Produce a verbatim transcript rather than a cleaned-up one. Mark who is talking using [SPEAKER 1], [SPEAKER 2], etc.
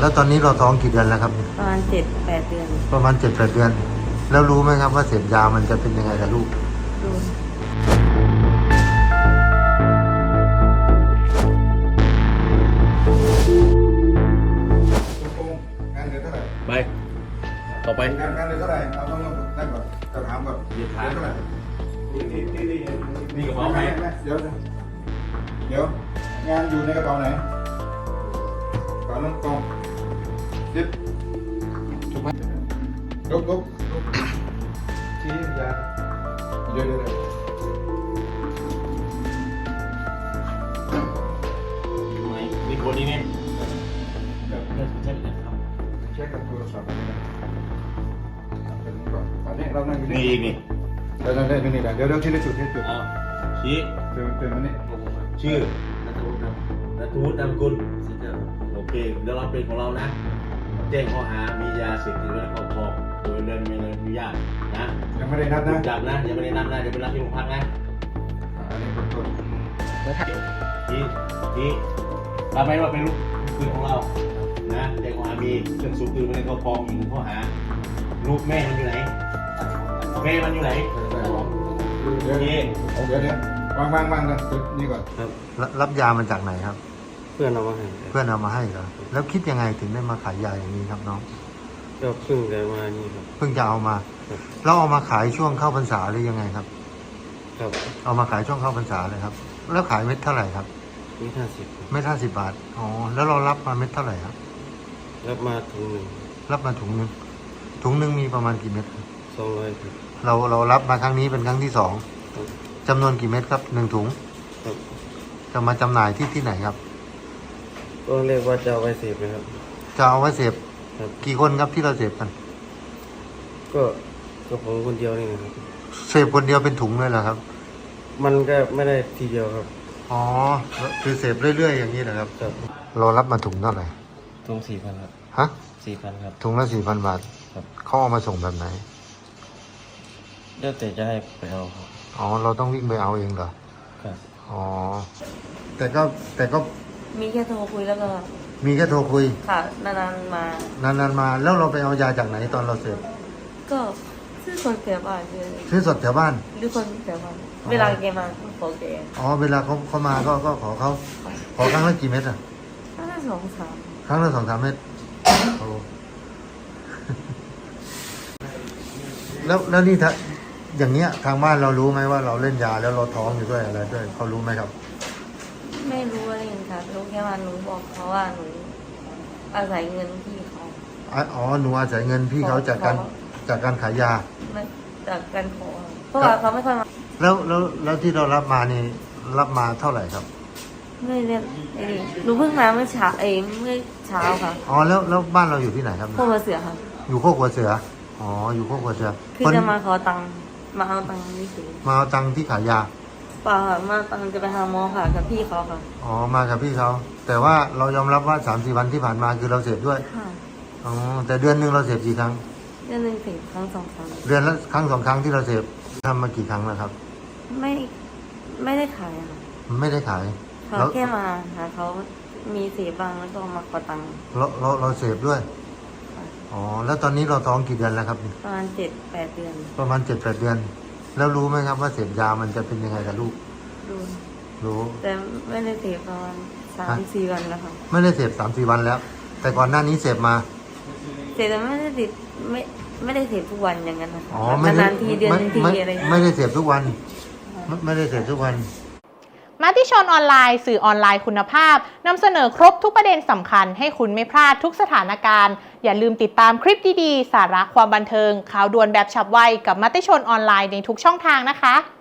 [SPEAKER 1] แล้วตอนนี้เราท้องกี่เดือนแล้วครับ
[SPEAKER 2] ประมาณเจ็ดแปดเดือน
[SPEAKER 1] ประมาณเจ็ดแปดเดือนแล้วรู้ไหมครับว่าเสพยามันจะเป็นยังไงกับลูก
[SPEAKER 2] รู้
[SPEAKER 3] งานเดือนเท่าไหร่
[SPEAKER 4] ไปต่อไป
[SPEAKER 3] งานงานเดือนเท่าไหร่เอาต้องต้องนั่นก่อนจะถามก่อนเดือนเท่าไหร่นี่นี่นี่นี่
[SPEAKER 4] มีกระเป๋าไหม
[SPEAKER 3] เดี๋ยวเดี๋ยวงานอยู่ในกระเป๋าไหนกระเป๋าน้องกองดิบถูกไหมลุกลุกลุกชี้ยาเดี๋ยวเดี๋ยวเดี๋ยว
[SPEAKER 4] ไหนมีคนนี้เนี่ยเช็คครับ
[SPEAKER 3] เช็คกับโทรศัพท์นี่นะเป็นก่อนตอนนี้เรานั่งอยู่
[SPEAKER 4] นี่อีกนี่
[SPEAKER 3] เดี๋ยวเดี๋ยวเดี๋ยวนี่เดี๋ยวเดี๋ยวที่ในจุดที่จุด
[SPEAKER 4] อ้าวชี้
[SPEAKER 3] เตือนเตือนมันนี่
[SPEAKER 4] ชื่อนัทวุฒิครับนัทวุฒินามสกุลโอเคเดี๋ยวเราเป็นของเรานะแจ้งข้อหามียาเสพติดไว้ในครอบครองโดยไม่ได้อนุญาตนะ
[SPEAKER 3] ยังไม่ได้นัดนะ
[SPEAKER 4] จับนะยังไม่ได้นัดนะเดี๋ยวไปรับที่โรงพักนะ
[SPEAKER 3] อันนี้เป็นต้น
[SPEAKER 4] ชี้ชี้รับไหมว่าเป็นลูกปืนของเรานะแจ้งข้อหามีเครื่องสูบปืนไว้ในครอบครองอีกหนึ่งข้อหาลูกแม่มันอยู่ไหนแม่มันอยู่ไหน
[SPEAKER 3] เดี๋ยวเดี๋ยวเดี๋ยวเดี๋ยววางวางวางเลยนี่ก่อน
[SPEAKER 1] รับยามันจากไหนครับ
[SPEAKER 5] เพื่อนเอามาให้
[SPEAKER 1] เพื่อนเอามาให้เหรอแล้วคิดยังไงถึงได้มาขายยาอย่างนี้ครับน้อง
[SPEAKER 5] ก็เพิ่งได้มานี่ครับ
[SPEAKER 1] เพิ่งจะเอามาแล้วเอามาขายช่วงเข้าพรรษาหรือยังไงครับ
[SPEAKER 5] ครับ
[SPEAKER 1] เอามาขายช่วงเข้าพรรษาเลยครับแล้วขายเม็ดเท่าไหร่ครับ
[SPEAKER 5] เม็ดห้าสิบ
[SPEAKER 1] เม็ดห้าสิบบาทอ๋อแล้วเรารับมาเม็ดเท่าไหร่ครับ
[SPEAKER 5] รับมาถุงหนึ่ง
[SPEAKER 1] รับมาถุงหนึ่งถุงหนึ่งมีประมาณกี่เม็ด
[SPEAKER 5] สองร้อยครับ
[SPEAKER 1] เราเรารับมาครั้งนี้เป็นครั้งที่สองจำนวนกี่เม็ดครับหนึ่งถุงจะมาจำหน่ายที่ที่ไหนครับ
[SPEAKER 5] ก็เรียกว่าจะเอาไว้เสพนะครับ
[SPEAKER 1] จะเอาไว้เสพกี่คนครับที่เราเสพกัน
[SPEAKER 5] ก็ก็ผมคนเดียวนี่นะครับ
[SPEAKER 1] เสพคนเดียวเป็นถุงเลยเหรอครับ
[SPEAKER 5] มันก็ไม่ได้ทีเดียวครับ
[SPEAKER 1] อ๋อคือเสพเรื่อยๆอย่างนี้นะครับเรารับมาถุงเท่าไหร่
[SPEAKER 5] ถุงสี่พันครับ
[SPEAKER 1] ฮะ
[SPEAKER 5] สี่พันครับ
[SPEAKER 1] ถุงละสี่พันบาท
[SPEAKER 5] ครับ
[SPEAKER 1] เขาเอามาส่งแบบไหน
[SPEAKER 5] เดี๋ยวแต่จะให้ไปเอาครับ
[SPEAKER 1] อ๋อเราต้องวิ่งไปเอาเองเหรอ
[SPEAKER 5] ครับ
[SPEAKER 1] อ๋อแต่ก็แต่ก็
[SPEAKER 2] มีแค่โทรคุยแล้วก็
[SPEAKER 1] มีแค่โทรคุย
[SPEAKER 2] ค่ะนานๆมาน
[SPEAKER 1] านๆมาแล้วเราไปเอายาจากไหนตอนเราเสพ
[SPEAKER 2] ก็ซื้อคนแถวบ้านเลย
[SPEAKER 1] ซื้อสดแถวบ้าน
[SPEAKER 2] หรือคนแถวบ้านเวลาแกมาขอแก
[SPEAKER 1] อ๋อเวลาเขาเขามาก็ก็ขอเขาขอครั้งละกี่เม็ดอ่ะ
[SPEAKER 2] ครั้งละสองสาม
[SPEAKER 1] ครั้งละสองสามเม็ดแล้วแล้วนี่ถ้าอย่างเงี้ยทางบ้านเรารู้ไหมว่าเราเล่นยาแล้วเราท้องอยู่ด้วยอะไรด้วยเขารู้ไหมครับ
[SPEAKER 2] ไม่รู้อะไรอย่างค่ะรู้แค่ว่าหนูบอกเขาว่าหนูอาศัยเงินพี่เขา
[SPEAKER 1] อ๋อหนูอาศัยเงินพี่เขาจากการจากการขายยา
[SPEAKER 2] จากการขอเพราะว่าเขาไม่ค่อยมา
[SPEAKER 1] แล้วแล้วแล้วที่เรารับมานี่รับมาเท่าไหร่ครับ
[SPEAKER 2] ไม่เรียนไอ้หนูเพิ่งมาเมื่อเช้าเองเมื่อเช้าค่ะ
[SPEAKER 1] อ๋อแล้วแล้วบ้านเราอยู่ที่ไหนครับ
[SPEAKER 2] โคกหัวเสือค่ะ
[SPEAKER 1] อยู่โคกหัวเสืออ๋ออยู่โคกหัวเสือ
[SPEAKER 2] คือจะมาขอตังค์มาเอาตังค์นี่สิ
[SPEAKER 1] มาเอาตังค์ที่ขายยา
[SPEAKER 2] เปล่าค่ะมาตังค์จะไปหาหมอค่ะกับพี่เขาค่ะ
[SPEAKER 1] อ๋อมากับพี่เขาแต่ว่าเรายอมรับว่าสามสี่วันที่ผ่านมาคือเราเสพด้วย
[SPEAKER 2] ค่ะ
[SPEAKER 1] อ๋อแต่เดือนหนึ่งเราเสพกี่ครั้ง
[SPEAKER 2] เดือนหนึ่งถึงครั้งสองครั้ง
[SPEAKER 1] เดือนละครั้งสองครั้งที่เราเสพทำมากี่ครั้งแล้วครับ
[SPEAKER 2] ไม่ไม่ได้ขายค่ะ
[SPEAKER 1] ไม่ได้ขาย
[SPEAKER 2] เขาแค่มาหาเขามีเสพบ้างแล้วก็มาขอตังค์
[SPEAKER 1] เราเราเราเสพด้วยอ๋อแล้วตอนนี้เราท้องกี่เดือนแล้วครับ
[SPEAKER 2] ประมาณเจ็ดแปดเดือน
[SPEAKER 1] ประมาณเจ็ดแปดเดือนแล้วรู้ไหมครับว่าเสพยามันจะเป็นยังไงกับลูก
[SPEAKER 2] รู้
[SPEAKER 1] รู้
[SPEAKER 2] แต่ไม่ได้เสพประมาณสามสี่วันแล้วค่ะ
[SPEAKER 1] ไม่ได้เสพสามสี่วันแล้วแต่ก่อนหน้านี้เสพมา
[SPEAKER 2] เสพแต่ไม่ได้ติดไม่ไม่ได้เสพทุกวันอย่างนั้นนะ
[SPEAKER 1] อ๋อไม่ได้
[SPEAKER 2] ทีเดือนทีอะไร
[SPEAKER 1] ไม่ได้เสพทุกวันไม่ได้เสพทุกวัน
[SPEAKER 6] มติชนออนไลน์สื่อออนไลน์คุณภาพนำเสนอครบทุกประเด็นสำคัญให้คุณไม่พลาดทุกสถานการณ์อย่าลืมติดตามคลิปดีๆสาระความบันเทิงข่าวด่วนแบบฉับไวกับมติชนออนไลน์ในทุกช่องทางนะคะ